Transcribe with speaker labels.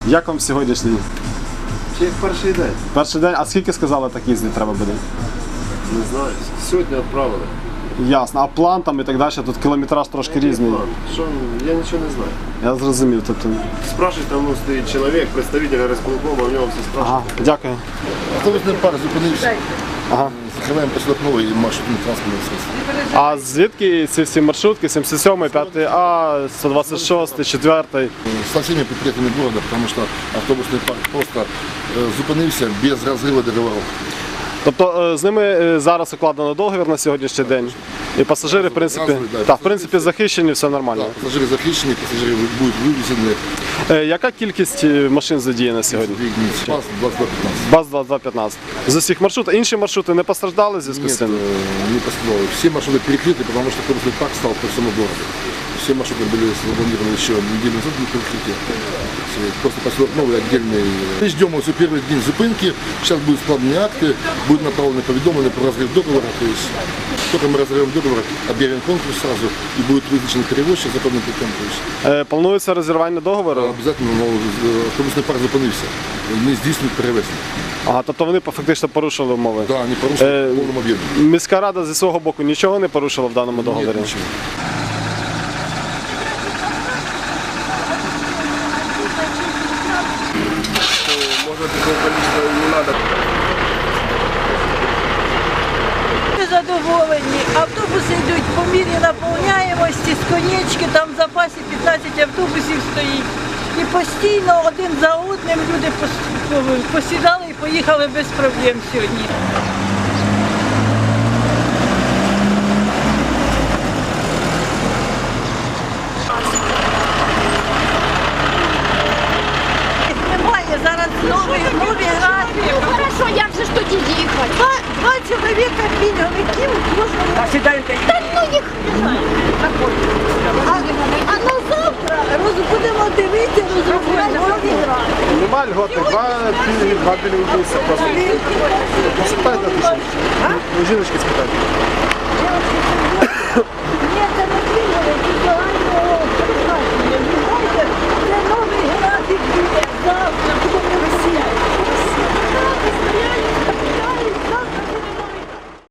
Speaker 1: Як вам сьогоднішній?
Speaker 2: Ще як перший день.
Speaker 1: Перший день, а скільки сказали, так їздити треба буде?
Speaker 2: Не знаю. Сьогодні відправили.
Speaker 1: Ясно. А план там і так далі, тут кілометраж трошки різний.
Speaker 2: Що, я нічого не знаю.
Speaker 1: Я зрозумів. Тобто...
Speaker 2: Спрашивай, там стоїть чоловік, представитель розполкому, у нього все спрашивають.
Speaker 1: Ага, дякую.
Speaker 3: Автобусний парк зупинився.
Speaker 1: Ага.
Speaker 3: Закриваємо посілок новий маршрутний транспортний средств.
Speaker 1: А звідки ці всі маршрутки? 77, 5А, 126, 4?
Speaker 3: Со всеми предприятиями города, потому что автобусный парк просто зупинився без розриву договорів.
Speaker 1: Тобто з ними зараз укладено договір на сьогоднішній день. І пасажири, в принципі,
Speaker 3: да,
Speaker 1: в принципі, захищені, все нормально.
Speaker 3: Так, пасажири захищені, пасажири будуть вивезені.
Speaker 1: Яка кількість машин задіяна сьогодні?
Speaker 3: ПАС 2215.
Speaker 1: БАЗ-2215. З усіх маршрутів. Інші маршрути не постраждали в зв'язку з
Speaker 3: Нет,
Speaker 1: цим?
Speaker 3: не пострадало. Все маршруты перекрыты, потому что автобусный парк стал по всему городу. Все маршруты были запланированы еще неделю назад на перекрытие. Просто поселок новый отдельный. Мы ждем уже первый день зупинки. Сейчас будут складные акты, будут направлены поведомления про разрыв договора. То есть только мы разорвем договор, объявим конкурс сразу и будет вызначен перевозчик законным путем.
Speaker 1: Планується розірвання договору?
Speaker 3: Обязательно автобусный парк зупинився. Не здійснюють перевезення.
Speaker 1: Ага, тобто вони фактично порушили умови?
Speaker 3: Да, они порушили в повному об'ємі.
Speaker 1: Міська рада зі свого боку нічого не порушила в даному договорі?
Speaker 3: Нет, ничего.
Speaker 2: Можно такое количество не надо.
Speaker 4: Ми задоволені. Автобуси йдуть по мірі наповняємості, з конечки, там в запасі 15 автобусів стоїть. І постійно один за одним люди посідали і поїхали без проблем сьогодні. Немає зараз нові графіки.
Speaker 5: Хорошо, як же ж тоді їхати?
Speaker 4: Два чоловіка пільговиків кожного.
Speaker 5: Та ну їх.
Speaker 4: А на завтра будемо дивитися, розробляти нові графіки.
Speaker 1: Нема льготи, два білінкуса просто. Спитайте, жіночки спитайте.
Speaker 4: Ні, це не пільговики.